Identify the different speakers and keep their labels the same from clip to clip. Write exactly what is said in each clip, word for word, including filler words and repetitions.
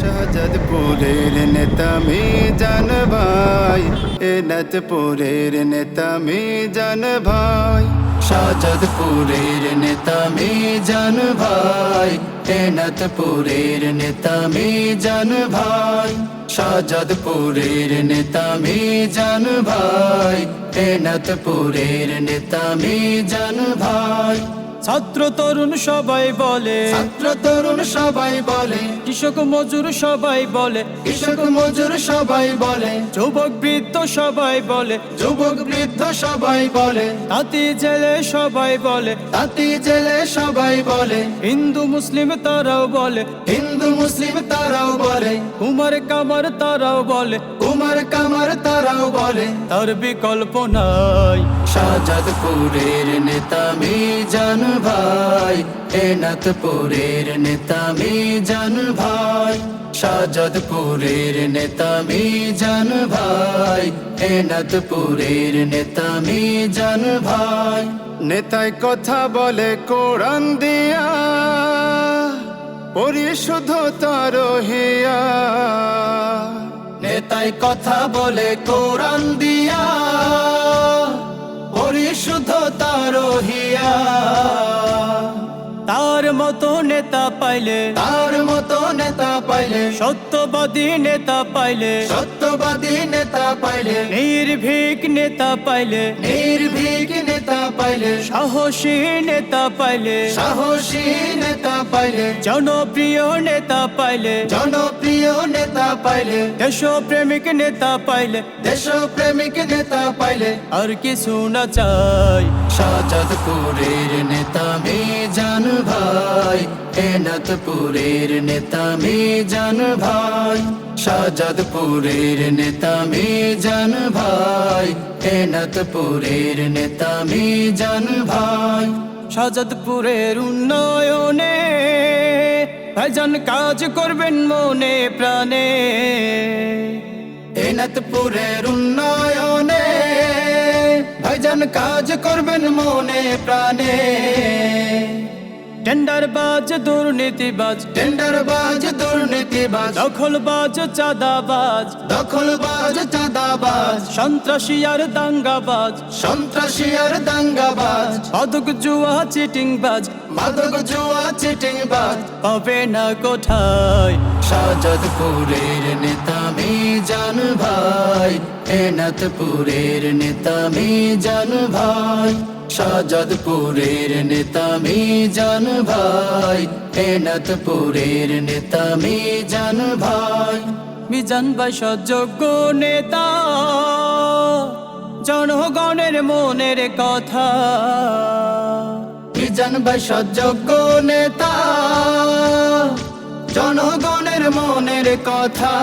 Speaker 1: শাহজাদপুরের নেতা মিজান ভাই, এনাথপুরের নেতা মিজান ভাই। শাহজাদপুরের নেতা মিজান ভাই, এনাথপুরের নেতা মিজান ভাই। শাহজাদপুরের নেতা মিজান ভাই, এনাথপুরের নেতা মিজান ভাই।
Speaker 2: ছাত্র তরুণ সবাই বলে,
Speaker 1: ছাত্র তরুণ সবাই বলে,
Speaker 2: কৃষক মজুর সবাই বলে,
Speaker 1: কৃষক মজুর সবাই বলে,
Speaker 2: যুবক বৃদ্ধ সবাই বলে,
Speaker 1: যুবক বৃদ্ধ সবাই বলে,
Speaker 2: তাঁতি জেলে সবাই বলে,
Speaker 1: তাঁতি জেলে সবাই বলে,
Speaker 2: হিন্দু মুসলিম তারাও বলে,
Speaker 1: হিন্দু মুসলিম তারাও বলে,
Speaker 2: কুমার কামার তারাও বলে,
Speaker 1: কুমার কামার তারাও বলে,
Speaker 2: তার বিকল্প নাই।
Speaker 1: শাহজাদপুরের নেতা মিজান ভাই, এনাথপুরের নেতা মিজান ভাই। শাহজাদপুরের নেতা মিজান ভাই, এনাথপুরের নেতা মিজান ভাই। নেতায় কথা বলে কোরআন দিয়া, পরিশুদ্ধ তার হিয়া। নেতায় কথা বলে কোরআন দিয়া, পরিশুদ্ধ তার হিয়া।
Speaker 2: তার মতো নেতা পাইলে,
Speaker 1: তার মতো নেতা পাইলে,
Speaker 2: সত্যবাদী নেতা পাইলে,
Speaker 1: সত্যবাদী নেতা পাইলে,
Speaker 2: নির্ভীক নেতা পাইলে,
Speaker 1: নির্ভীক নেতা পাইলে,
Speaker 2: সাহসী নেতা পাইলে,
Speaker 1: সাহসী নেতা পাইলে,
Speaker 2: জনপ্রিয় নেতা পাইলে,
Speaker 1: জনপ্রিয় নেতা পাইলে,
Speaker 2: দেশপ্রেমিক নেতা পাইলে,
Speaker 1: দেশপ্রেমিক নেতা পাইলে,
Speaker 2: আর কিছু না চাই।
Speaker 1: শাহজাদপুরের নেতা মিজান ভাই, এনাথপুরের নেতা মিজান ভাই। শাহজাদপুরের নেতা মিজান ভাই, এনাথপুরের নেতা মিজান ভাই।
Speaker 2: শাহজাদপুরের উন্নয়নে ভাইজান কাজ করবেন মনে প্রাণে,
Speaker 1: এনাথপুরের উন্নয়নে ভাইজান কাজ করবেন মনে প্রাণে।
Speaker 2: টেন্ডারবাজ দুর্নীতিবাজ,
Speaker 1: টেন্ডারবাজ দুর্নীতিবাজ,
Speaker 2: দখলবাজ চাঁদাবাজ,
Speaker 1: দখলবাজ চাঁদাবাজ,
Speaker 2: সন্ত্রাসী আর দাঙ্গাবাজ,
Speaker 1: সন্ত্রাসী আর দাঙ্গাবাজ,
Speaker 2: মাদক জুয়া চিটিংবাজ,
Speaker 1: মাদক জুয়া চিটিংবাজ
Speaker 2: পাবে না কোথায়।
Speaker 1: শাহজাদপুরের নেতা মিজান ভাই, এনাথপুরের নেতা মিজান ভাই। শাহজাদপুরের নেতা মিজান ভাই, এনাথপুরের নেতা মিজান ভাই।
Speaker 2: মিজান ভাই সযোগ্য নেতা, জনগণের মনের কথা।
Speaker 1: মিজান ভাই সযোগ্য নেতা, জনগণের মনের কথা।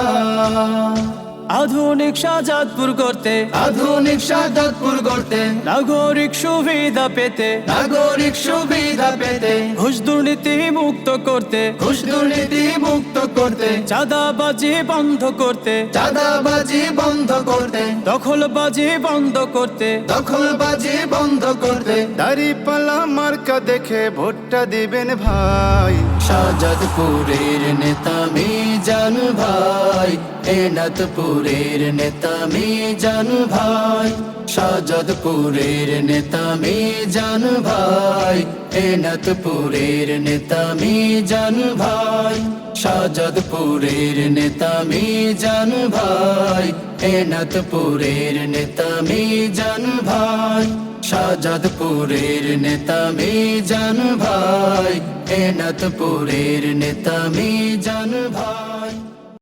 Speaker 2: আধুনিক শাহজাদপুর করতে,
Speaker 1: আধুনিক শাহজাদপুর গড়তে,
Speaker 2: নাগরিক সুবিধা পেতে,
Speaker 1: নাগরিক সুবিধা পেতে,
Speaker 2: ঘুষ দুর্নীতি মুক্ত করতে,
Speaker 1: ঘুষ দুর্নীতি মুক্ত করতে,
Speaker 2: চাঁদাবাজি বন্ধ করতে,
Speaker 1: চাঁদাবাজি বন্ধ করতে,
Speaker 2: দখলবাজি বন্ধ করতে,
Speaker 1: দখলবাজি বন্ধ করতে। দাড়িপাল্লা মার্কা দেখে ভোটটা দিবেন ভাই। শাহজাদপুরের নেতা মিজান ভাই, এনাথপুরের নেতা মিজান ভাই। শাহজাদপুরের নেতা মিজান ভাই, এনাথপুরের নেতা মিজান ভাই। শাহজাদপুরের নেতা মিজান ভাই, এনাথপুরের নেতা মিজান ভাই। শাহজাদপুরের নেতা মিজান ভাই, এনাথপুরের নেতা মিজান ভাই।